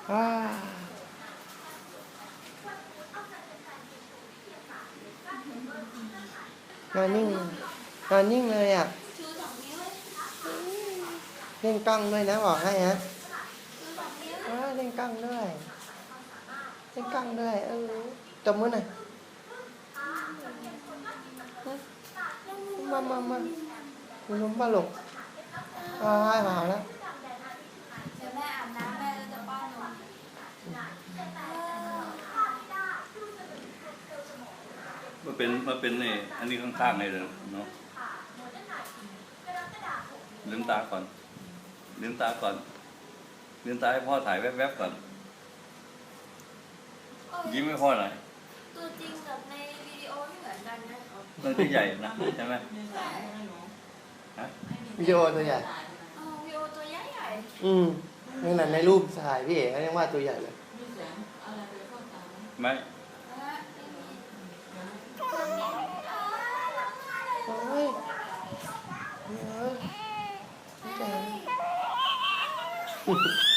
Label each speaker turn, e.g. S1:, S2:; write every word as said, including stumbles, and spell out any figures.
S1: ว้านอนนิ่งนอนนิ่งเลยอ่ะเล่นกล้องด้วยนะบอกให้ฮะเล่นกล้องด้วยเล่นกล้องด้วยเออตบมือหน่อยมามามาลุ้มปลาหลกว้ายมาแล้ว
S2: เดี๋ยวแม่อาบน้ำแม่จะป้อนนม
S3: มันเป็นมันเป็นนี่อันนี้ข้างๆเลยเนาะลืมตาก่อนลืมตาก่อนลืมตาให้พ่อถ่ายแวบๆก่อนยิ้มให้พ่อหน่อย
S2: ตัวจริงกับในวิดีโอไม่เหมือนกันนะ
S3: มันตัวใหญ่นะใช่ไหมฮะ
S1: วิดีโอตัวใหญ่
S2: อ๋อวิดีโอตัวใหญ่ใหญ่
S1: อืมนี่นั่นในรูปถ่ายพี่เอ๋เขายังว่าตัวใหญ่เลย
S3: ไม่
S1: โอ้ยโอ้ย